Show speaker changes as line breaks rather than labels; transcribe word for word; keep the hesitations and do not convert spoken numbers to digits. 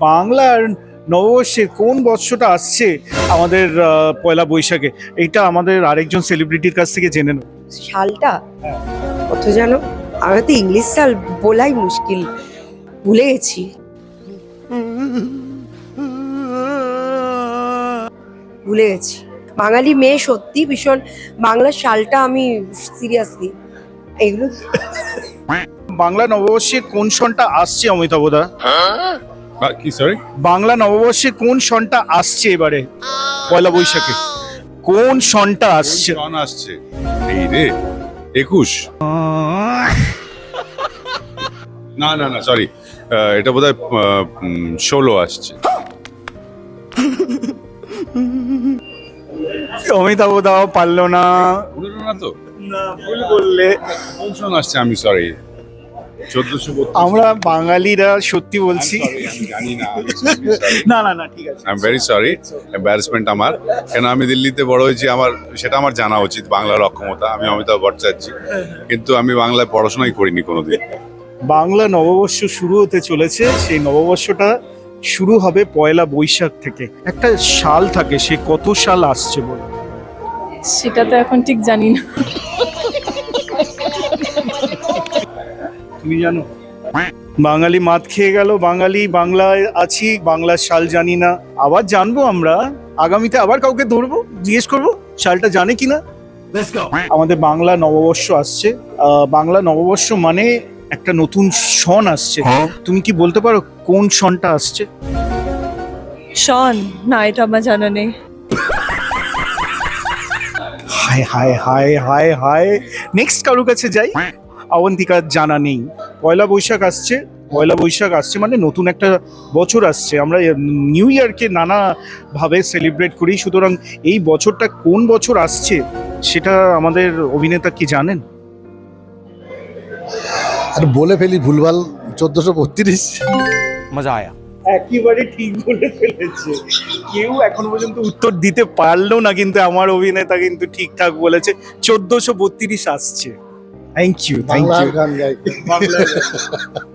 বাংলার নববর্ষে কোন বৎসরটা আসছে আমাদের পয়লা বৈশাখে, এইটা আমাদের আরেকজন সেলিব্রিটির কাছ থেকে জেনে নেব।
সালটা কত জানো? আমরা তো ইংলিশ সাল বলাই মুশকিল, ভুলে গেছি। ভুলে গেছি। বাঙালি মেয়ে সত্যি ভীষণ, বাংলা সালটা আমি সিরিয়াসলি এগুলো।
বাংলা নববর্ষে কোন সনটা আসছে অমিতাভদা?
কি সরি?
বাংলা নববর্ষে কোন সনটা আসছে এবারে পয়লা বৈশাখে? কোন সনটা আসছে?
সন আসছে এই রে একুশ। না না না সরি, এটা বোধহয় ষোলো আসছে।
অমিতাভদা পারলো না।
বললো না তো,
না, ভুল বললে।
কোন সন আসছে আমি সরি। চোদ্দশো
আমরা বাঙালিরা সত্যি বলছি।
আমি জানি না।
না না না ঠিক আছে।
I am very sorry, embarrassment আমার। কেন আমি দিল্লিতে বড় হয়েছি, আমার সেটা আমার জানা উচিত, বাংলার অক্ষমতা। আমি অমিতাভ ভট্টাচার্য, কিন্তু আমি বাংলায় পড়াশোনাই করিনি কোনোদিন।
বাংলা নববর্ষ শুরু হতে চলেছে, সেই নববর্ষটা শুরু হবে পয়লা বৈশাখ থেকে। একটা সাল থাকে, সে কত সাল আসছে বলে?
সেটা তো এখন ঠিক জানি না।
তুমি জানো? বাঙালি মাত খেয়ে গেল, বাঙালি বাংলায় আছি, বাংলার সাল জানি না। আবার জানবো আমরা, আগামীতে আবার কাউকে ধরবো, জিজ্ঞেস করবো সালটা জানে কিনা। আমাদের বাংলা নববর্ষ আসছে। আহ, বাংলা নববর্ষ মানে একটা নতুন সন আসছে। তুমি কি বলতে পারো কোন সনটা আসছে?
শন না, এটা আমার জানা নেই।
হায় হায় হায় হায় হায়, নেক্সট কারোর কাছে যাই। অবন্তিকার জানা নেই। পয়লা বৈশাখ আসছে, পয়লা বৈশাখ আসছে মানে নতুন একটা বছর আসছে। আমরা নিউ ইয়ারকে নানাভাবে সেলিব্রেট করি, সুতরাং এই বছরটা কোন বছর আসছে সেটা আমাদের অভিনেতা কি জানেন?
আর বলে ফেলি ভুলভাল, চোদ্দশো বত্রিশ।
মজা আয়া।
একেবারে ঠিক বলে ফেলেছে। কেউ এখন পর্যন্ত উত্তর দিতে পারলো না, কিন্তু আমার অভিনেতা কিন্তু ঠিকঠাক বলেছে, চোদ্দশো বত্রিশ আসছে। থ্যাংক ইউ, থ্যাংক
বাংলার
ইউ।
গান গাই।
বাংলা